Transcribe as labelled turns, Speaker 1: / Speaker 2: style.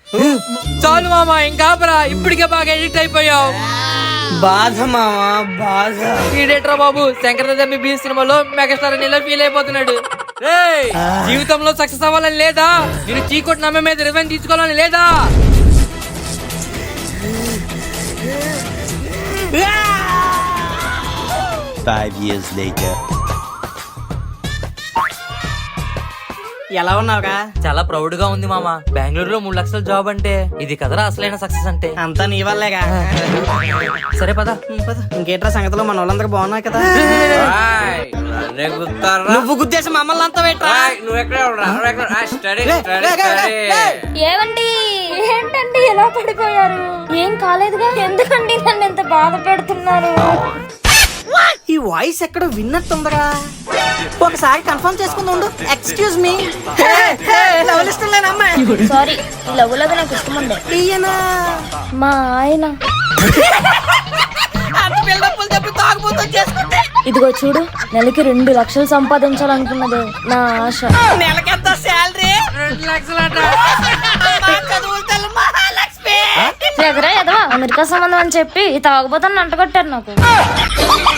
Speaker 1: చాలు మామ, ఇంకా ఇప్పటికే బాగా ఎడిక్ట్ అయిపోయావు.
Speaker 2: బాధ మామా బాధ.
Speaker 1: ఈడేట్రా బాబు, శంకరదమ్మి బీ సినిమాలో మెగాస్టార్ ఇలా ఫీల్ అయిపోతున్నాడు. జీవితంలో సక్సెస్ అవ్వాలని లేదా? నేను చీకొట్టి నమ్మే మీద రివెంజ్ తీసుకోవాలని లేదా?
Speaker 2: ఎలా ఉన్నావుగా?
Speaker 1: చాలా ప్రౌడ్ గా ఉంది మామ. బెంగళూరులో 3 లక్షల జాబ్ అంటే ఇది కదరా అసలైన సక్సెస్ అంటే.
Speaker 2: అంతా నీ వల్లేగా.
Speaker 1: సరే పద.
Speaker 2: ఇంకేట్రా సంగతిలో మన వాళ్ళందరూ బాగున్నా కదా? నువ్వు గుద్దేసి మమ్మల్ని అంతా
Speaker 3: ఏమండి ఏంటండి ఎలా పడిపోయారు? ఏం కాలేదుగా? ఎందుకండి నన్ను ఎంత బాధ పెడుతున్నారు?
Speaker 2: ఈ వాయిస్ ఎక్కడ విన్నట్టుందిగా. ఒకసారి కన్ఫర్మ్ చేసుకుంది ఉండు. Excuse me.
Speaker 3: సారీ, లవ్ నాకు ఇష్టం ఉండే. మా ఆయన ఇదిగో చూడు, నెలకి 2 లక్షలు సంపాదించాలనుకున్నది నా ఆశ.
Speaker 2: నెలకెంత శాలరీ?
Speaker 1: 2 లక్షలట.
Speaker 3: ఎదరా ఎదవా, అమెరికా సంబంధం అని చెప్పి తాగుబోతాను అంటగొట్టారు నాకు.